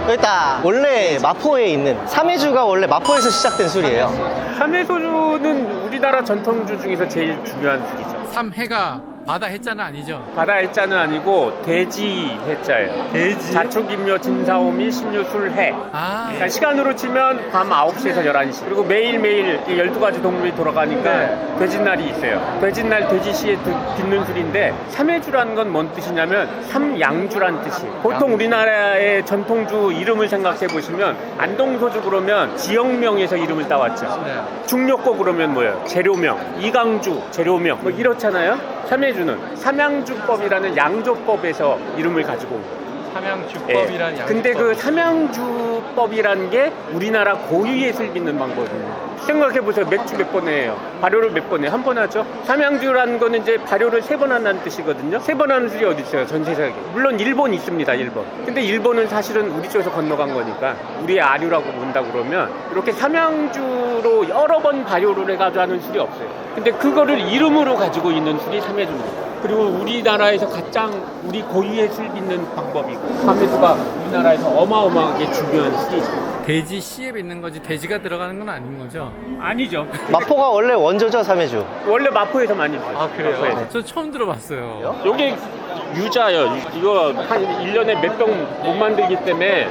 여기 있다. 원래 마포에 있는 삼해주가 원래 마포에서 시작된 술이에요. 삼해소주는 우리나라 전통주 중에서 제일 중요한 술이죠. 삼해가 바다 해자는 아니죠? 바다 해자는 아니고 돼지 해자예요. 돼지? 자축인묘 진사오미 신유술해. 아, 그러니까 시간으로 치면 밤 9시에서 11시. 그리고 매일매일 12가지 동물이 돌아가니까 돼지날이 있어요. 돼지날 돼지시에 빚는 술인데 삼해주라는 건 뭔 뜻이냐면 삼양주란 뜻이. 보통 우리나라의 전통주 이름을 생각해 보시면 안동소주 그러면 지역명에서 이름을 따왔죠. 네. 중력고 그러면 뭐예요? 재료명, 이강주 재료명 뭐 이렇잖아요. 삼해주는 삼양주법이라는 양조법에서 이름을 가지고 온 거예요. 삼양주법이란 예. 근데 그 삼양주법이라는 게 우리나라 고유의 술 빚는 방법입니다. 생각해보세요. 맥주 몇 번 해요? 발효를 몇 번 해요? 한 번 하죠? 삼양주라는 거는 이제 발효를 3번 한다는 뜻이거든요. 3번 하는 술이 어디 있어요? 전 세계에. 물론 일본 있습니다. 일본. 근데 일본은 사실은 우리 쪽에서 건너간 거니까 우리의 아류라고 본다 그러면 이렇게 삼양주로 여러 번 발효를 해가지고 하는 술이 없어요. 근데 그거를 이름으로 가지고 있는 술이 삼해주입니다. 그리고 우리나라에서 가장 우리 고유의 술 빚는 방법이고 삼해주가 우리나라에서 어마어마하게 중요한 술이죠. 돼지 씨에 빚는 거지 돼지가 들어가는 건 아닌 거죠? 아니죠. 마포가 원래 원조죠, 삼해주. 원래 마포에서 많이 있어요. 마포에서. 저 처음 들어봤어요. 요게 유자예요. 이거 한 1년에 몇 병 못 만들기 때문에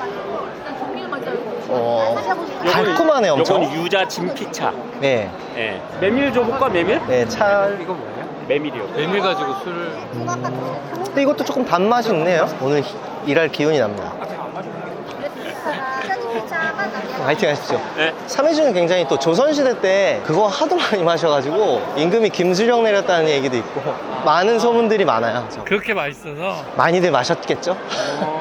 달콤하네, 엄청. 요건 유자 진피차. 네. 예. 메밀 줘볼까, 메밀? 네, 차. 이거 뭐예요? 메밀이요. 메밀 가지고 술을 근데 이것도 조금 단맛이 있네요. 오늘 일할 기운이 납니다. 화이팅 하십시오. 네. 삼해주는 굉장히 또 조선시대 때 그거 하도 많이 마셔가지고 임금이 김수령 내렸다는 얘기도 있고 많은 소문들이 많아요. 그렇게 맛있어서 많이들 마셨겠죠?